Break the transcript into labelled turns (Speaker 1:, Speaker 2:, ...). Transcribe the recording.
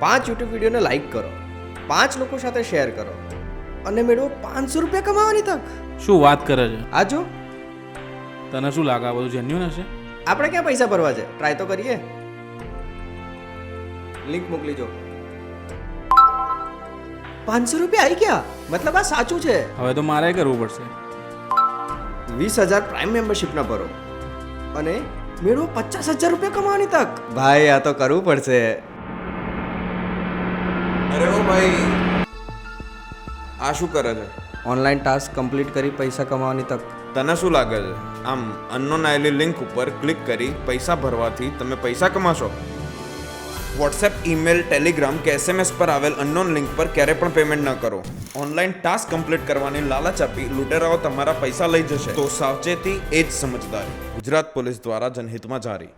Speaker 1: 5 YouTube વિડીયોને like કરો, 5 લોકો સાથે શેર કરો અને મેળવો 500 રૂપિયા કમાવાની તક.
Speaker 2: શું વાત કરે છે?
Speaker 1: આ જો,
Speaker 2: તને શું લાગે આ બધું જેન્યુન હશે?
Speaker 1: આપણે ક્યાં પૈસા ભરવા છે, ટ્રાય તો કરીએ. લિંક મોકલી જો. 500 રૂપિયા આવી ગયા, મતલબ આ સાચું છે.
Speaker 2: હવે તો મારે કરવું પડશે.
Speaker 1: 20,000 પ્રાઇમ મેમ્બરશિપના ભરો અને મેળવો 50,000 રૂપિયા કમાવાની તક. ભાઈ આ તો કરવું પડશે.
Speaker 3: અરે ઓ ભાઈ, આ શું કરે છે?
Speaker 1: ઓનલાઈન ટાસ્ક કમ્પ્લીટ કરી પૈસા કમાવાની તક.
Speaker 3: તને શું લાગે છે આમ અનનોન આવેલી લિંક ઉપર ક્લિક કરી પૈસા ભરવાથી તમે પૈસા કમાશો? વોટ્સએપ, ઈમેલ, ટેલિગ્રામ કે એસએમએસ પર આવેલ અનનોન લિંક પર ક્યારે પણ પેમેન્ટ ન કરો. ઓનલાઈન ટાસ્ક કમ્પ્લીટ કરવાની લાલચ આપી લૂંટેરાઓ તમારા પૈસા લઈ જશે. તો સાવચેતી એ જ સમજદારી. ગુજરાત પોલીસ દ્વારા જનહિતમાં જારી.